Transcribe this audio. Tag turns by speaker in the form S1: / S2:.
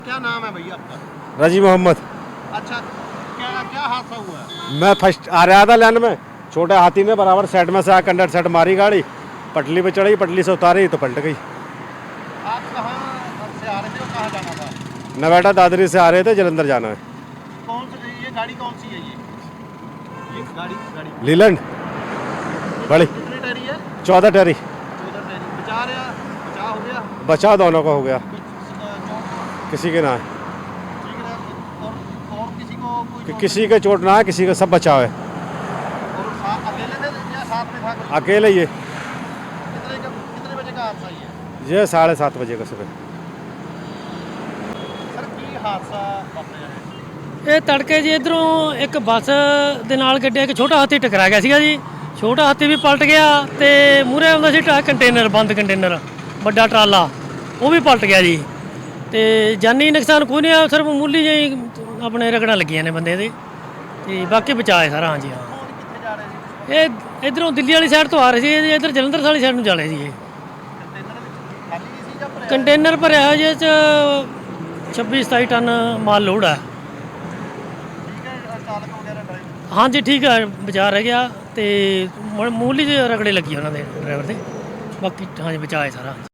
S1: क्या नाम है भैया आपका?
S2: रजी मोहम्मद।
S1: अच्छा, क्या क्या हादसा हुआ है?
S2: मैं फर्स्ट आ रहा था लाइन में, छोटे हाथी ने बराबर साइड में से आकर सेट मारी गाड़ी, पटली पे चढ़ी, पटली से उतारी तो पलट गई।
S1: आप कहाँ से आ रहे थे और कहाँ जाना था?
S2: नवेटा दादरी से आ रहे थे, जलंधर जाना है।
S1: कौन सी ये गाड़ी कौन सी है ये गाड़ी गाड़ी
S2: लीलैंड बड़ी
S1: कितनी टहरी है?
S2: 14 टहरी।
S1: 14 टहरी। बचा हो गया?
S2: बचाव दोनों का हो गया,
S1: कुछ चोट
S2: किसी के ना है।
S1: ठीक है। और किसी को कोई चोट
S2: किसी के चोट ना है, किसी का सब बचाव है।
S1: नहीं? और अकेले थे या साथ में था कोई?
S2: अकेले ये
S1: कितने बजे का हादसा ये?
S2: ये 7:30 बजे का सुबह।
S1: सर की हादसा वापरिਆ है?
S3: ਇਹ ਤੜਕੇ ਜੀ ਇਧਰੋਂ ਇੱਕ ਬੱਸ ਦੇ ਨਾਲ ਗੱਡੀ ਇੱਕ ਛੋਟਾ ਹਾਥੀ ਟਕਰਾ ਗਿਆ ਸੀਗਾ ਜੀ। ਛੋਟਾ ਹਾਥੀ ਵੀ ਪਲਟ ਗਿਆ ਤੇ ਮੂਹਰੇ ਆਉਂਦਾ ਸੀ ਕੰਟੇਨਰ, ਬੰਦ ਕੰਟੇਨਰ ਵੱਡਾ ਟਰਾਲਾ, ਉਹ ਵੀ ਪਲਟ ਗਿਆ ਜੀ। ਤੇ ਜਾਨੀ ਨੁਕਸਾਨ ਕੋਈ ਨਹੀਂ ਆ, ਸਿਰਫ ਮਾਮੂਲੀ ਜਿਹੀ ਆਪਣੇ ਰਗੜਾਂ ਲੱਗੀਆਂ ਨੇ ਬੰਦੇ ਦੇ ਤੇ ਬਾਕੀ ਬਚਾਏ ਸਾਰਾ। ਹਾਂਜੀ ਹਾਂ,
S1: ਕੌਣ ਕਿੱਥੇ ਜਾ ਰਹੇ ਸੀ?
S3: ਇਹ ਇਧਰੋਂ ਦਿੱਲੀ ਵਾਲੀ ਸਾਈਡ ਤੋਂ ਆ ਰਹੇ ਸੀ, ਇਧਰ ਜਲੰਧਰ ਵਾਲੀ ਸਾਈਡ ਨੂੰ ਜਾ ਰਹੇ ਸੀ। ਇਹ
S1: ਕੰਟੇਨਰ ਵਿੱਚ ਖਾਲੀ ਸੀ ਜਾਂ ਭਰਿਆ?
S3: ਕੰਟੇਨਰ ਭਰਿਆ ਹੋਇਆ ਜੀ, ਇਹ 'ਚ 26-27 ਟਨ ਮਾਲ ਲੋਡ ਹੈ।
S1: ਠੀਕ ਹੈ, ਚਾਲਕ ਵਗੈਰਾ ਡਰਾਈਵਰ?
S3: ਹਾਂਜੀ ਠੀਕ ਹੈ, ਬਚਾ ਰਹਿ ਗਿਆ ਤੇ ਮਾਮੂਲੀ ਜਿਹੇ ਰਗੜੇ ਲੱਗੀ ਉਹਨਾਂ ਦੇ ਡਰਾਈਵਰ ਦੇ, ਬਾਕੀ ਹਾਂਜੀ ਬਚਾਏ ਸਾਰਾ।